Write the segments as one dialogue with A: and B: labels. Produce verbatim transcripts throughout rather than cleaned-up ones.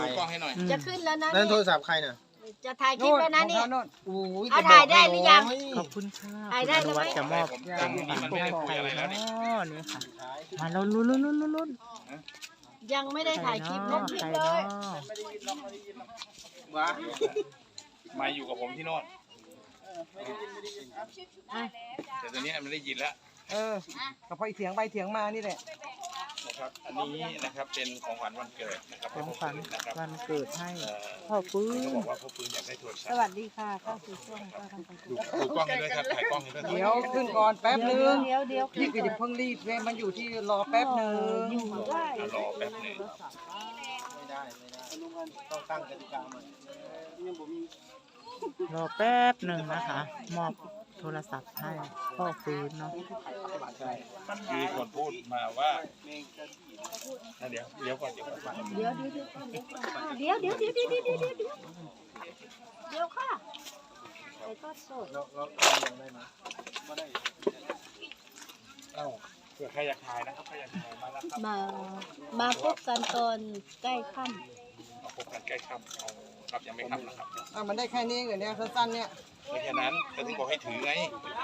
A: กล้องให้หน่อย
B: จะขึ้นแล้วนะ
C: นั่นโทรศัพท์ใครน่ะ
B: จะถ่ายคลิปแล้วนะนี่
C: อุ้ย
B: เอาถ่ายได้หรือยัง
D: ขอบคุณค่ะ
B: ถ่ายได้แล้วไหม
D: จะมอบ
A: จำนี้มันไม่ได้คุยอะไรแล้วนี่
D: อ๋อนี่ค่ะมาลุ้นลุ้นลุ้นลุ้นลุ้น
B: ยังไม่ได้ถ่ายคลิปลงคลิป
D: ใคร
B: เล
D: เนาะ
B: ย
A: ว้ามาอยู่กับผมที่โน่นแต่ตอนนี้มันได้ยินแล้ว
E: เออกับพอเถียงไปเถียงมานี่แหละ
A: นะครับอันนี้นะครับเป็นของขวัญวันเกิดนะครับ
D: ของขวัญ
A: นะครับ
D: วันเกิดให้
A: เอ่อ
D: พ่อปื้
A: เขา
D: น
A: บอกว่าพ่อปืนอยากได้โทรศั
B: ส
A: พท์
B: วัสดีค่ะเข้าสู่ช่วงป้าทำความ
A: ดูดูกล้องให้ด้วยครับถ่ายกล้องให้ด้วยครับ
E: เดี๋ยวขึ้นก่อนแป๊บนึง
B: เดี๋ยวเดี๋ยว
E: พี่ก็อย่าเพิ่งรีบเว้ยมันอยู่ที่รอแป๊บนึง
B: อยู่ได้
A: อ่ะรอแป๊บหนึง
C: ไม่ได้ไม่ได้ลุงกันต้องตั้งกติกาใหม่ยังผมมี
D: รอแป๊บหนึ่งนะคะ มอบโทรศัพท์ให้พ่อปื้นเนาะ
A: มีคนพูดมาว่าอ่ะเดี๋ยวเดี๋ยวก่อนเดี๋ยวก่อน
B: เดี๋ยวเดี๋ยวเดี๋ยวเดี๋ยวเดี๋ยวเดี๋ยวเดี๋ยวเดี๋ยวเดี๋ยวเดี๋ยวเดี๋ยวค่ะไอ้ก็สด
C: เราเรายังได้ไหมไม่ได้
A: เอ้าเผื่อใครอยากถ่ายนะครับใครอยากถ่ายมาแล้วครับ
B: มามาพบกันตอนใกล้ค่ำ
A: มาพบกันใกล้ค่ำเอาครับยังไม่ค่ำนะครับ
E: อ่ะมันได้แค่นี้เหรอเนี่ยสั้นๆเนี่ย
A: ไม่แค่นั้นก็ถึงบอกให้ถือไง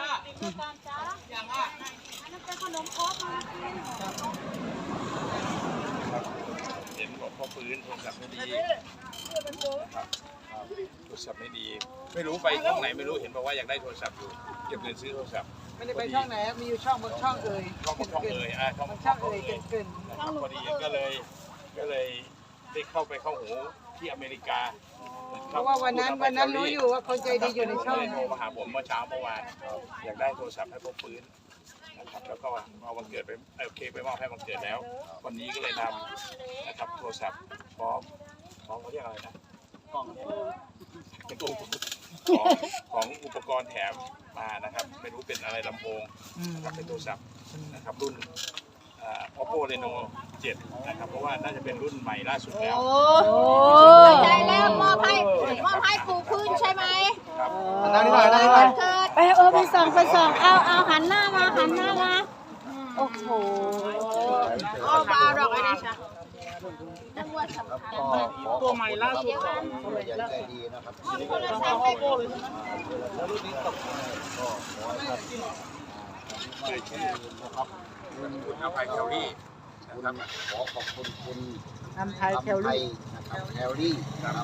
A: ครับเห็นบอกพ่อปืนโทรศัพท์ไม่ดีครับโทรศัพท์ไม่ดี ไม่รู้ไปช่องไหนไม่รู้เห็นบอกว่าอยากได้โทรศัพท์อยู่เก็บเงินซื้อโทรศัพท์
E: ไม่ได้ไปช่องไหนมีอยู่ช่องบางช่องเอ่ย
A: ช่องช่องเลยอ่ะช่อง
E: บางช่องเอ่ยเกิน
A: นะครับพอดีก็เลยก็เลยได้เข้าไปเข้าหูที่อเมริกา
E: ๆเพราะว่าวันนั้นวันนั้นรู้อยู่ว่าคนใจดีอยู่ในช่อง
A: โทรมาหาผมเมื่อเช้าเมื่อวานอยากได้โทรศัพท์ให้พ่อปืนนะครับแล้วก็เอาวันเกิดไปโอเคไปมอบให้วันเกิดแล้ว วันนี้ก็เลยนำนะครับโทรศัพท์พร้อมพร้อมเขาเรียกอะไรนะกล่องเป็นตัวของของอุปกรณ์แถมมานะครับไม่รู้เป็นอะไรลำโพง
D: อืม
A: นะครับเป็นโทรศัพท์นะครับรุ่นอ่า Oppo Reno เจ็ดนะครับเพราะว่าน่าจะเป็นรุ่นใหม่ล่าสุดแล้ว
B: โอ้เข้าใจแล้วมอบให้มอบให้ปู่พื้นใช่ไหม
A: ครับ
C: นั่งนี่หน่อยนั่งนี่หน่อย
B: เกิดไปเออไปส่องไปส่องเอาเอาหันหน้ามาหันหน้ามาโอ้โหเอาบาดอกไอ้นี่ใช่จังหวัดสำคัญ
C: ตัวใหม่ล่าสุดของผู้ใหญ่ใจดีนะครับ
B: โทรศัพท์ให้ปู่
C: แล้วรุ่นนี้ตกก็ขอให้ครับไม่ใช่นะครับ
A: คุณอภัยแคลรี่นะครับ
C: ขอขอบคุณคุณ
D: ทำไทยแคลรี่
C: นะครับแคลรี่นะครับ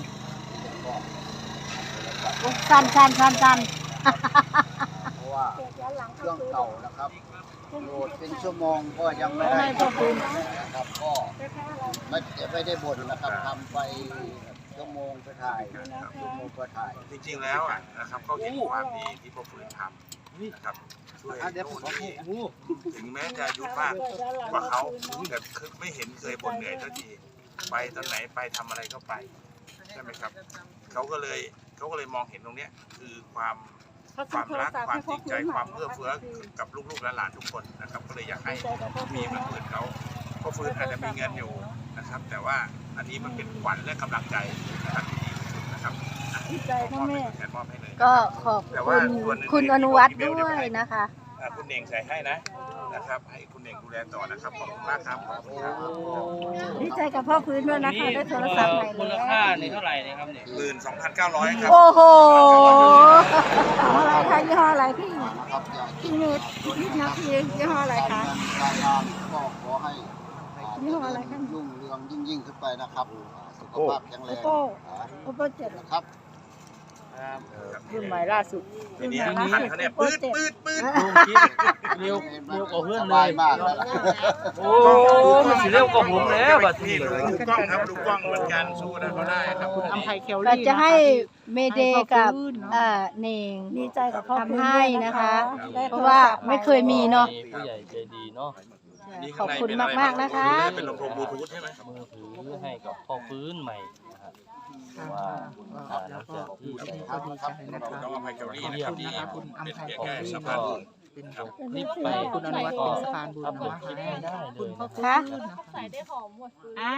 C: ก็
B: สันสันสันสัน
C: เพราะว่าเครื่องเก่านะครับโหลดเป็นชั่วโมงก็ยังไม่ได้นะครับก็ไม่ไม่ได้บ่นนะครับทำไปชั่วโมงไปถ่ายชั่วโมงไปถ่าย
A: จริงๆแล้วอ่ะนะครับเขาเห็นความดีที่พ่อฟื้นทำนะครับช่วยโน่นนี่ถึงแม้จะอายุมากกว่าเขาแต่คือไม่เห็นเคยบ่นเหนื่อยสักทีไปตอนไหนไปทำอะไรก็ไปใช่ไหมครับเขาก็เลยเขาก็เลยมองเห็นตรงเนี้ยคือความความรักความจริงใจความเอื้อเฟื้อกับลูกๆและหลานทุกคนนะครับก็เลยอยากให้มีเหมือนเหมือนเขาพ่อฟื้นอาจจะมีเงินอยู่นะครับ แต่ว่าอันนี้มันเป็นขวัญและกำลังใจนะครับที่ดีที่สุดนะครับ
B: ดีใจนะแม่
A: แทนมอบให้เลย
B: ก็ขอบคุณคุณอนุวัฒน์ด้วยนะคะ
A: อ่าคุณเน่งใส่ให้นะนะครับ ให้คุณเน่งดูแลต่อนะครับขอบคุณมากครับขอบคุณครับ
B: ดีใจกับพ่อพื้นด้วยนะคะได้โทรศัพท์ใหม่
F: มูล
B: แล้ว
F: ค่านี่เท่าไหร่นะครับเนี่ย
A: หมื่นสองพันเก้าร้อยครับ
B: โอ้โหอะไรคะยี่ห้ออะไรพี่
C: นะครับอย่า
B: พี่เนตพี่นาทียี่ห้ออะไรคะ
C: การงานก็ขอให้
B: ยี่ห้ออะไรคะ
C: รุ่งเรืองยิ่งยิ่งขึ้นไปนะครับสุขภาพแข็งแร
B: โอ
C: ง
B: โป้โอโป้เจ็ด
C: นะครับ
D: รุ่นใหม่ล่าสุด
A: ทีนี้ทันเขาเนี่ยปื๊ดปื๊ดปื๊ด
F: เร็วเร็วกว่าเพื่อน
C: ส
F: เล
C: บาย
F: ย
C: มากแล้วล่ะ
F: โอ้มันสิเร็วกว่าผมแล้วบัด
A: นี่
F: นี้
A: ดูกล้องครับดูกล้องเหมือนกันสู้นะเขาได้ครับ
D: คุณอัมไพแคล
B: เรา
D: รี่
B: จะให้เมเดย์กับ
D: ให้พ่อฟื้นเนอะ
B: อ่าเน่ง
G: ดีใจกับพ่อ
B: ทำให้นะคะ
G: ได้
B: เพราะว่าไม่เคยมีเนาะ
F: ผู้ใหญ่ใจดีเนาะ
B: ขอบคุณมากๆนะคะ
A: เป็นลำโพงบลูทูธใช่ไหม
F: มือถือให้กับพ่อฟื้นใหม่นะครับว่าหลังจากที่
D: ก็ดีใจนะคะ
A: น้องอภัยแคลรี่นะครับที่
D: คุณอัมไพ
A: เป็น
D: แค
A: แค่
D: ลรี่
A: สะ
D: ก็
A: พานบุญ
D: เป็น
A: ครับ
F: รีบไป
D: คุณอนุวัฒน์เป็นสะพานบุญ
F: อัพโหล
D: นะ
F: ดคลิป
D: คะ
F: ไม่ได้เลย
B: คะ
G: ใส่ได้หอมหมดเลย
B: อ่า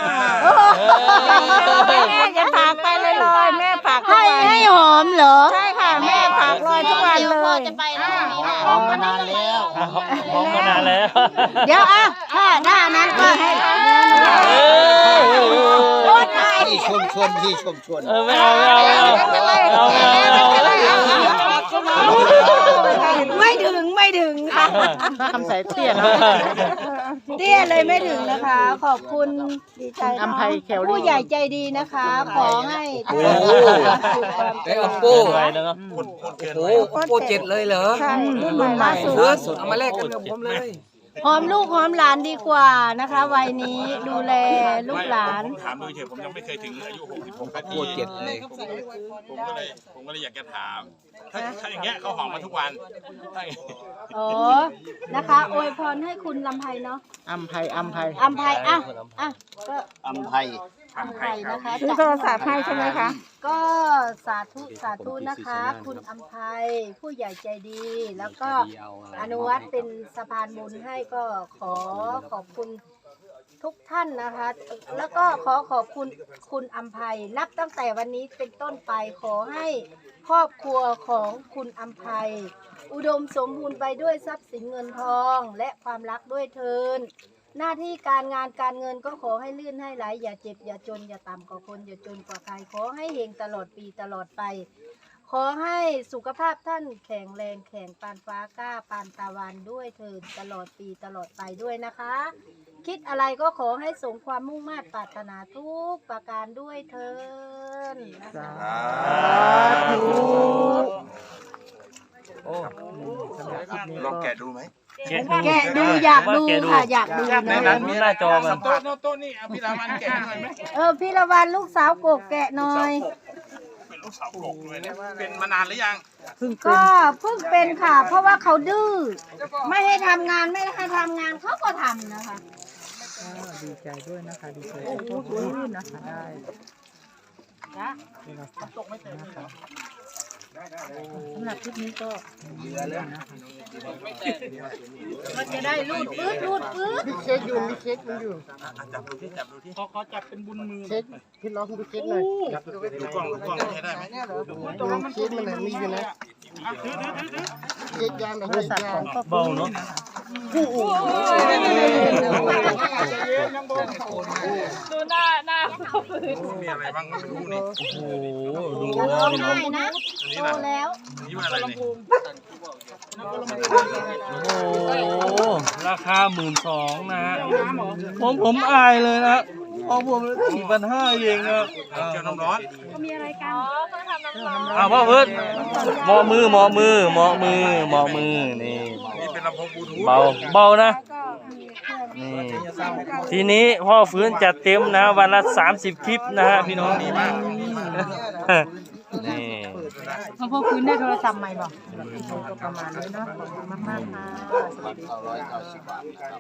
F: เออ
B: แม่จะฝากไปเลยลอยแม่ฝากให้ให้หอมเหรอใช่ค่ะแม่ฝากลอยทุกวันเลยจะไปแล้วหอมมานานแล้ว
F: พร้อมมานานแล้ว
B: เดี๋ยวอ่ะถ้าหน้านั้นก็ให้
F: เออ
B: โอ้ย
C: ชมชวนพี่ชมชวน
F: เออไม่เอาไม่เอาไม่เอาไม่เอาไม่เอา
B: ไม่ถึงไม่ถึงค่ะ
D: คำใส่เตี้ยนะ
B: เตี้ยเลยไม่ถึงนะคะ ขอบคุณดีใจ
D: อัมภัยแคลรี่
B: ผู้ใหญ่ใจดีนะคะ ขอให้
G: โอ้โหเอ้ยอัปโป้
F: ไปแล้วเนาะ
A: คนคนเกิน
G: โอ้
A: ไป
G: โหอัปโป้เจ็ดเลยเหรอ
B: ใช่รุ่นใหม่ล่าสุด
G: เออเอามาแลกกันกับผมเลย
B: หอมลูกหอมหลานดีกว่านะคะวัยนี้ดูแลลูกหลาน
A: ผมถามดูเฉยผมยังไม่เคยถึงอายุหกสิบหก
G: อั
A: นา
G: ป
A: ที
G: โป้เจ็ดเลย
A: ผมก็เลยผมก็เลยอยากจะถาม ถ้าถ้าอย่างเงี้ยเขาหอมมาทุกวันถ้าอย่างเงี้ย
B: อ๋อนะคะอวยพรให้คุณลำไพเนาะ
D: อัมภัยอัมภัย
B: อัมไพอ่ะอ่ะก็
C: อัมไพ
B: อัมไพนะคะ
E: ซื้อโทรศัพท์ให้ใช่ไหมคะ
B: ก็สาธุสาธุนะคะ คุณอัมไพผู้ใหญ่ใจดี แล้วก็อนุวัตเป็นสะพานบุญให้ก็ขอขอบคุณทุกท่านนะคะ แล้วก็ขอขอบคุณคุณอัมไพนับตั้งแต่วันนี้เป็นต้นไปขอให้ครอบครัวของคุณอัมไพอุดมสมบูรณ์ไปด้วยทรัพย์สินเงินทอง และความรักด้วยเทินหน้าที่การงานการเงินก็ขอให้ลื่นให้ไหลอย่าเจ็บอย่าจนอย่าต่ำกว่าคนอย่าจนกว่าใครขอให้เฮงตลอดปีตลอดไป ขอให้สุขภาพท่านแข็งแรงแข็งปานฟ้ากล้าปานตะวันด้วยเถิดตลอดปีตลอดไปด้วยนะคะ คิดอะไรก็ขอให้สมความมุ่งมา่ปรารถนาทุกประการด้วยเถิดนะคะ
F: โอ้
D: สำหรับคลิปนี้
A: ลอง
D: ก็
A: แกะดูไหม
F: แกะ
B: แกะดูอยากดูค่ะอยากดู
F: ใน
B: นะ
F: นั้นหน้าจอมัน
A: โต๊ะโน้ตโต๊ะนี่เอาพี่รามันแกะหน่อยไหม
B: เออพี่ละวันลูกสาวโกกแกะหน่อย
A: เป็นลูกสาวกบด้วยเนี่ยเป็นมานานหรือยัง
D: เพิ่งเป็น
B: ก็เพิ่งเป็นค่ะ เพราะว่าเขาดื้อไม่ให้ทำงานไม่ให้ทำงานเขาก็ทำนะคะ
D: ก็ดีใจด้วยนะคะดีใจกับพ่อฟื้นนะคะได้โทรศัพท์นะคะสำหรับคลิปนี้ก็เหลือแล้วนะคะ
B: มันจะได้รูดปื๊ดรูดปื๊ด
C: เช็คอยู่มีเช็คมันอยู่
A: จับดูที่จับดูที่
C: เช็คพี่น้องดูเช็คหน่อย
A: ดูกล้องดูกล้องใช้ได้ไหม
C: ดูเช็คมันมีอยู่นะเช็คยางหน่อย
D: โทรศัพท์ของพ่อ
F: เบา
D: ฟื้น
F: เนาะ
D: นะคะ
A: มีอะไรบ้างก็ไม่รู้นี่
F: โอ้โหดู
B: ร้องไห้นะ
A: อันนี้
B: โต
A: ล่ะ
B: แล้ว
A: อันนี้ว่าอะไรนี่
F: โอ้โหราคาหมื่นสองนะฮะผมผมอายเลยนะพอผมสี่พันห้าเองนะ
A: เจียวน้ำร้อน
F: อ้าวพ่อเพิ่นหมอมือหมอมือหมอมือหมอมือนี่
A: นี่เป็นลำโพงบลูทูธ
F: เบาเบานะนี่ทีนี้พ่อฟื้นจัดเต็มนะวันละสามสิบคลิปนะฮะพี่น้องนี่มากนี่
B: พ่อคืนได้โทรศัพท์ใหม่บอก
D: ก็ประมาณนี้เนาะขอบคุณมากๆค่ะ
C: เก้าร้อยเก้าสิบบาทนะครับ